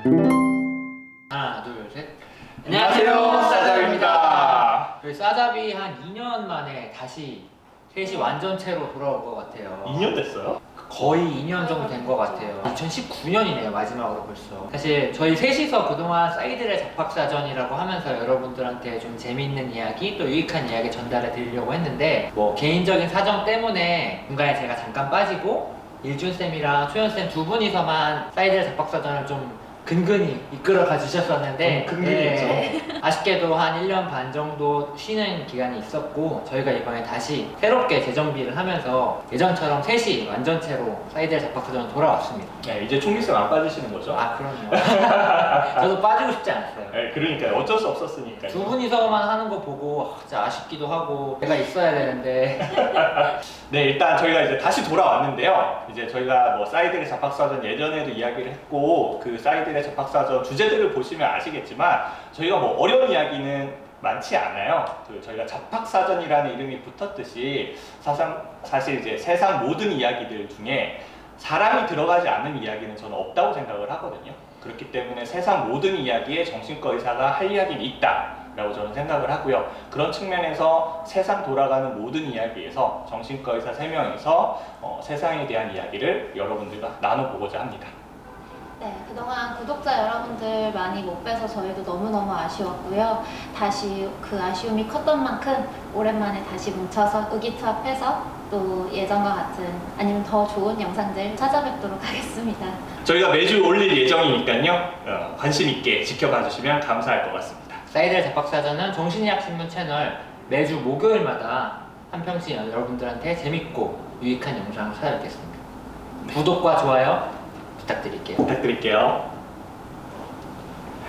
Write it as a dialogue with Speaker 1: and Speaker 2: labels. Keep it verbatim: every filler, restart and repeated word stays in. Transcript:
Speaker 1: 하나, 둘, 셋.
Speaker 2: 안녕하세요, 싸잡입니다.
Speaker 1: 저희 싸잡이 한 이 년 만에 다시 셋이 완전체로 돌아올 것 같아요.
Speaker 2: 이 년 됐어요?
Speaker 1: 거의 이 년 정도 된 것 같아요. 이천십구 년이네요, 마지막으로 벌써. 사실 저희 셋이서 그동안 사이들의 잡학사전이라고 하면서 여러분들한테 좀 재미있는 이야기, 또 유익한 이야기 전달해 드리려고 했는데, 뭐 개인적인 사정 때문에 중간에 제가 잠깐 빠지고 일준쌤이랑 초연쌤 두 분이서만 사이들의 잡학사전을 좀 근근히 이끌어가 주셨었는데,
Speaker 2: 좀 근근히
Speaker 1: 네, 아쉽게도 한 일 년 반 정도 쉬는 기간이 있었고, 저희가 이번에 다시 새롭게 재정비를 하면서 예전처럼 셋이 완전체로 사이드의 잡학사전 돌아왔습니다.
Speaker 2: 네, 이제 총기쌤 안 빠지시는 거죠?
Speaker 1: 아, 그럼요. 저도 빠지고 싶지 않았어요.
Speaker 2: 네, 그러니까요. 어쩔 수 없었으니까요.
Speaker 1: 두 분이서만 하는 거 보고 아, 진짜 아쉽기도 하고 내가 있어야 되는데.
Speaker 2: 네, 일단 저희가 이제 다시 돌아왔는데요. 이제 저희가 뭐 사이들의 잡학사전 예전에도 이야기를 했고, 그 사이들의 잡학사전 주제들을 보시면 아시겠지만 저희가 뭐 어려운 이야기는 많지 않아요. 그 저희가 잡학사전이라는 이름이 붙었듯이 사상, 사실 이제 세상 모든 이야기들 중에 사람이 들어가지 않는 이야기는 저는 없다고 생각을 하거든요. 그렇기 때문에 세상 모든 이야기에 정신과 의사가 할 이야기는 있다 라고 저는 생각을 하고요. 그런 측면에서 세상 돌아가는 모든 이야기에서 정신과 의사 세 명이서 어, 세상에 대한 이야기를 여러분들과 나눠보고자 합니다.
Speaker 3: 네, 그동안 구독자 여러분들 많이 못 뵈서 저희도 너무너무 아쉬웠고요. 다시 그 아쉬움이 컸던 만큼 오랜만에 다시 뭉쳐서 의기투합해서 또 예전과 같은 아니면 더 좋은 영상들 찾아뵙도록 하겠습니다.
Speaker 2: 저희가 매주 올릴 예정이니까요. 어, 관심 있게 지켜봐 주시면 감사할 것 같습니다.
Speaker 1: 사이드의 잡학사전은 정신의학신문 채널 매주 목요일마다 한 편씩 여러분들한테 재밌고 유익한 영상을 찾아뵙겠습니다. 구독과 좋아요 부탁드릴게요.
Speaker 2: 부탁드릴게요.